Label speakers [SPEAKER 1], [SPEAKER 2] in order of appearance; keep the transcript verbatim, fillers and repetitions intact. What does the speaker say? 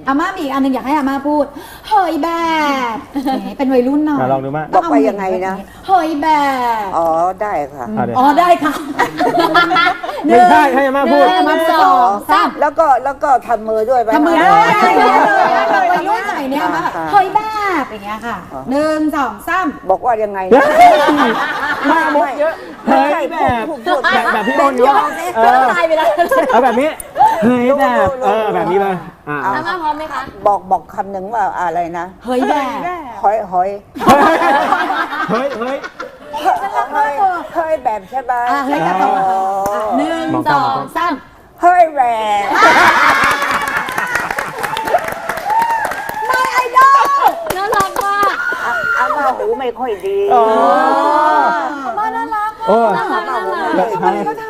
[SPEAKER 1] อาม่ามีอีกอันหนึ่งอยากให้อาม่าพูดเฮ้ยแบบเป็นวัยรุ่นหน่อย
[SPEAKER 2] ลองดูมา
[SPEAKER 3] บอกไปยังไงนะ
[SPEAKER 1] เฮ้ยแบบ
[SPEAKER 3] อ๋อได้ค่ะ
[SPEAKER 1] อ๋อได้ค่ะ
[SPEAKER 2] ไม่ใช่ให้อาม่าพูด
[SPEAKER 1] อาม่าสองสาม
[SPEAKER 3] แล้วก็แล้วก็ทำมือด้วยไหม
[SPEAKER 1] ทำมือได้เลยวัยรุ่นหน่อยเนี่ยมาเฮ้ยแบบอย่างเงี้ยค่ะหนึ่งสองสาม
[SPEAKER 3] บอกว่ายังไง
[SPEAKER 2] มามุกเยอะเฮ้ยแบบแบบแบบพี่โอนเยอะเออ
[SPEAKER 1] ตายไปแล้ว
[SPEAKER 2] เอาแบบนี้เฮ้ยแบบเออแบบนี้เลยอ่า
[SPEAKER 4] อาม่าพร้อมไหมคะ
[SPEAKER 3] บอกบอกคำหนึ่งว่าอะไรนะ
[SPEAKER 1] เฮ้ยแบบ
[SPEAKER 3] หอยหอย
[SPEAKER 2] เฮ้ยเฮ้ย
[SPEAKER 3] เฮ้ยเฮ้ยแบบใช่ไหม
[SPEAKER 1] อ่ะเฮ้ยแบบหนึ่งสองสาม
[SPEAKER 3] เฮ้ยแบบ
[SPEAKER 1] ไม่ไอดอล
[SPEAKER 4] น่ารักมาก
[SPEAKER 3] อาม่าหูไม่ค่อยดี
[SPEAKER 2] อ๋อ
[SPEAKER 1] มาน่ารัก
[SPEAKER 2] โอ้
[SPEAKER 4] น่ารักน่ารัก
[SPEAKER 2] แล้ว
[SPEAKER 1] วันนี้ก็ท